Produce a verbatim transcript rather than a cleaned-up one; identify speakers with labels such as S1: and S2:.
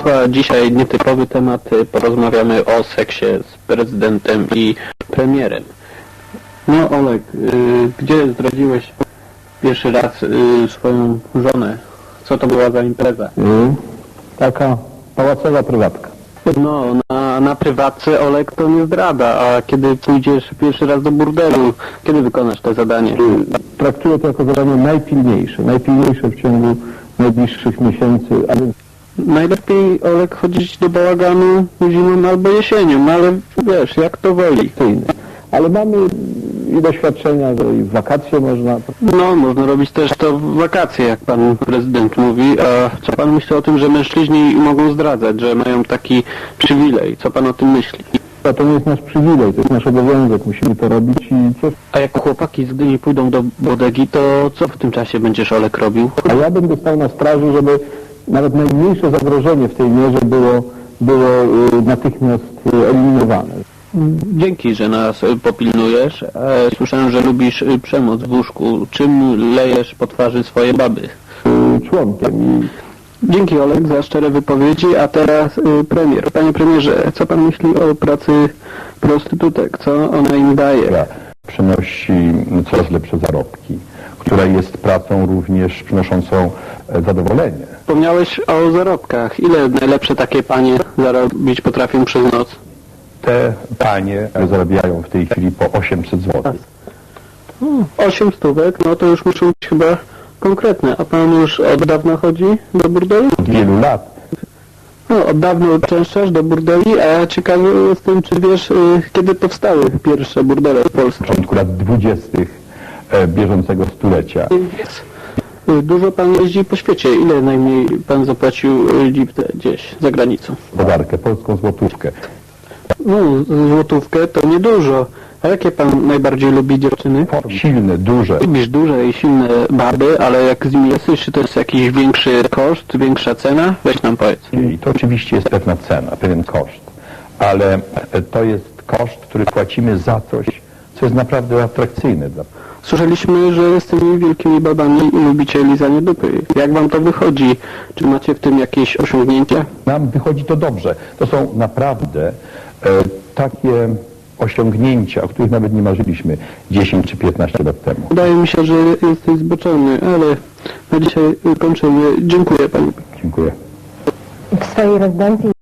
S1: Państwa, dzisiaj nietypowy temat, porozmawiamy o seksie z prezydentem i premierem. No Olek, y, gdzie zdradziłeś pierwszy raz y, swoją żonę? Co to była za impreza?
S2: Y, taka pałacowa prywatka.
S1: No, na, na prywatce Olek to nie zdrada, a kiedy pójdziesz pierwszy raz do burdelu, kiedy wykonasz to zadanie?
S2: Y, traktuję to jako zadanie najpilniejsze, najpilniejsze w ciągu najbliższych miesięcy, a więc
S1: Najlepiej, Olek, chodzić do bałaganu zimą albo jesienią, ale wiesz, jak to woli.
S2: inne. Ale mamy i doświadczenia, że i w wakacje można.
S1: No, można robić też to w wakacje, jak pan prezydent mówi. A co pan myśli o tym, że mężczyźni mogą zdradzać, że mają taki przywilej? Co pan o tym myśli?
S2: A to nie jest nasz przywilej, to jest nasz obowiązek, musimy to robić i cieszyć.
S1: A jak chłopaki z Gdyni pójdą do bodegi, to co w tym czasie będziesz, Olek, robił?
S2: A ja będę stał na straży, żeby nawet najmniejsze zagrożenie w tej mierze było, było y, natychmiast y, eliminowane.
S1: Dzięki, że nas y, popilnujesz. E, słyszałem, że lubisz y, przemoc w łóżku. Czym lejesz po twarzy swoje baby?
S2: Y, członkiem i
S1: Dzięki, Olek, za szczere wypowiedzi, a teraz y, premier. Panie premierze, co pan myśli o pracy prostytutek? Co ona im daje?
S3: która przynosi coraz lepsze zarobki, która jest pracą również przynoszącą e, zadowolenie.
S1: Wspomniałeś o zarobkach. Ile najlepsze takie panie zarobić potrafią przez noc?
S3: Te panie zarabiają w tej chwili po osiemset złotych.
S1: Osiem stówek, no to już muszą być chyba konkretne. A pan już od dawna chodzi do burdeli?
S3: Od wielu lat.
S1: No, od dawna uczęszczasz do burdeli, a ja ciekawy jestem, czy wiesz, y, kiedy powstały pierwsze burdele w
S3: W
S1: Polsce.
S3: początku lat dwudziestych e, bieżącego stulecia.
S1: Y, Dużo pan jeździ po świecie. Ile najmniej pan zapłacił y, liptę gdzieś za granicą?
S3: Gospodarkę, polską złotówkę.
S1: No, złotówkę to niedużo. A jakie pan najbardziej lubi dziewczyny?
S3: Silne, duże.
S1: Lubisz duże i silne baby, ale jak z nimi jesteś, czy to jest jakiś większy koszt, większa cena? Weź nam powiedz.
S3: I to oczywiście jest pewna cena, pewien koszt. Ale e, to jest koszt, który płacimy za coś, co jest naprawdę atrakcyjne dla
S1: Słyszeliśmy, że z tymi wielkimi babami lubicie lizanie dupy. Jak wam to wychodzi? Czy macie w tym jakieś osiągnięcia?
S3: Nam wychodzi to dobrze. To są naprawdę e, takie osiągnięcia, o których nawet nie marzyliśmy dziesięć czy piętnaście lat temu.
S1: Wydaje mi się, że jesteś zboczony, ale na dzisiaj kończymy. Dziękuję pani.
S3: Dziękuję.
S4: W swojej rezydencji